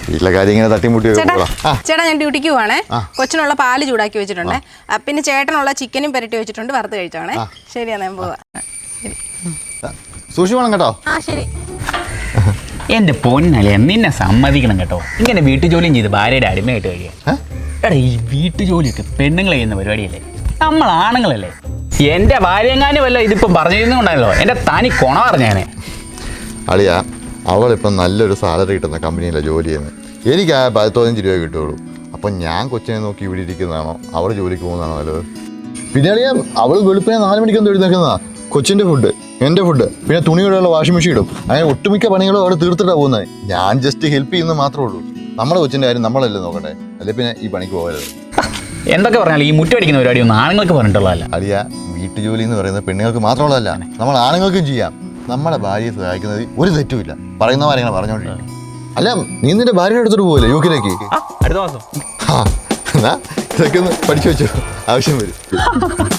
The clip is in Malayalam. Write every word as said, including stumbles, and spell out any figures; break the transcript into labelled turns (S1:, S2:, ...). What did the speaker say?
S1: വീട്ടിലെ കാര്യം ഇങ്ങനെ തട്ടിമുട്ടി.
S2: ചേട്ടാ ഞാൻ ഡ്യൂട്ടിക്ക് പോവാണേ. കൊച്ചിനുള്ള പാല് ചൂടാക്കി വെച്ചിട്ടുണ്ട്. പിന്നെ ചേട്ടനുള്ള ചിക്കനും പെരട്ടി വെച്ചിട്ടുണ്ട്, വറുത്ത് കഴിച്ചോണേ. ശരിയാ, ഞാൻ പോവാ.
S1: സൂക്ഷിക്കണം കേട്ടോ.
S2: ആ ശരി.
S3: എന്റെ പൊന്നല്ലേ, നിന്നെ സമ്മതിക്കണം കേട്ടോ. ഇങ്ങനെ വീട്ടുജോലിയും ചെയ്ത് ഭാര്യയുടെ അടിമയായിട്ട് കഴിയാ. എടാ, ഈ വീട്ടുജോലിയൊക്കെ പെണ്ണുങ്ങൾ ചെയ്യുന്ന പരിപാടിയല്ലേ, നമ്മൾ ആണുങ്ങളല്ലേ. എന്റെ ഭാര്യങ്ങാനും വല്ല ഇതിപ്പം പറഞ്ഞിരുന്നുണ്ടായല്ലോ, എന്റെ തനി കൊണ പറഞ്ഞാനെ.
S1: അളിയാ, അവളിപ്പം നല്ലൊരു സാലറി കിട്ടുന്ന കമ്പനിയിലാണ് ജോലി ചെയ്യുന്നത്. എനിക്ക് ആ പതിനഞ്ച് രൂപ കിട്ടുള്ളൂ. അപ്പം ഞാൻ കൊച്ചിനെ നോക്കി ഇവിടെ ഇരിക്കുന്നതാണോ അവൾ ജോലിക്ക് പോകുന്നതാണോ നല്ലത്? പിന്നെ അളിയാ, അവൾ വെളുപ്പിനെ നാല് മണിക്കൊന്നും എഴുന്നേക്കുന്നതാ. കൊച്ചിൻ്റെ ഫുഡ്, എൻ്റെ ഫുഡ്, പിന്നെ തുണിയോടെയുള്ള വാഷിംഗ് മെഷീൻ ഇടും. അങ്ങനെ ഒട്ടുമിക്ക പണികളും അവിടെ തീർത്തിട്ടാണ് പോകുന്നത്. ഞാൻ ജസ്റ്റ് ഹെൽപ്പ് ചെയ്യുന്നത് മാത്രമേ ഉള്ളൂ. നമ്മുടെ കൊച്ചിൻ്റെ കാര്യം നമ്മളല്ലേ നോക്കട്ടെ, അല്ലെ പിന്നെ ഈ പണിക്ക് പോകരുത്.
S3: എന്തൊക്കെ പറഞ്ഞാലും ഈ മുറ്റടിക്കുന്ന പരിപാടി ഒന്നും ആണുങ്ങൾക്ക് പറഞ്ഞിട്ടുള്ളതല്ല.
S1: അളിയാ, വീട്ടുജോലി എന്ന് പറയുന്നത് പെണ്ണുങ്ങൾക്ക് മാത്രമുള്ളതല്ല, നമ്മൾ ആണുങ്ങൾക്കും ചെയ്യാം. നമ്മുടെ ഭാര്യയെ സഹായിക്കുന്നത് ഒരു തെറ്റുമില്ല. പറയുന്ന കാര്യങ്ങൾ പറഞ്ഞോണ്ടിരിക്കും. അല്ല, നീ നിന്റെ ഭാര്യയുടെ അടുത്തോട്ട് പോകല്ലേ യു കെയിലേക്ക്?
S3: അടുത്ത മാസം.
S1: ആ, എന്നാ ഇതൊക്കെ ഒന്ന് പഠിച്ചു വെച്ചോ, ആവശ്യം വരും.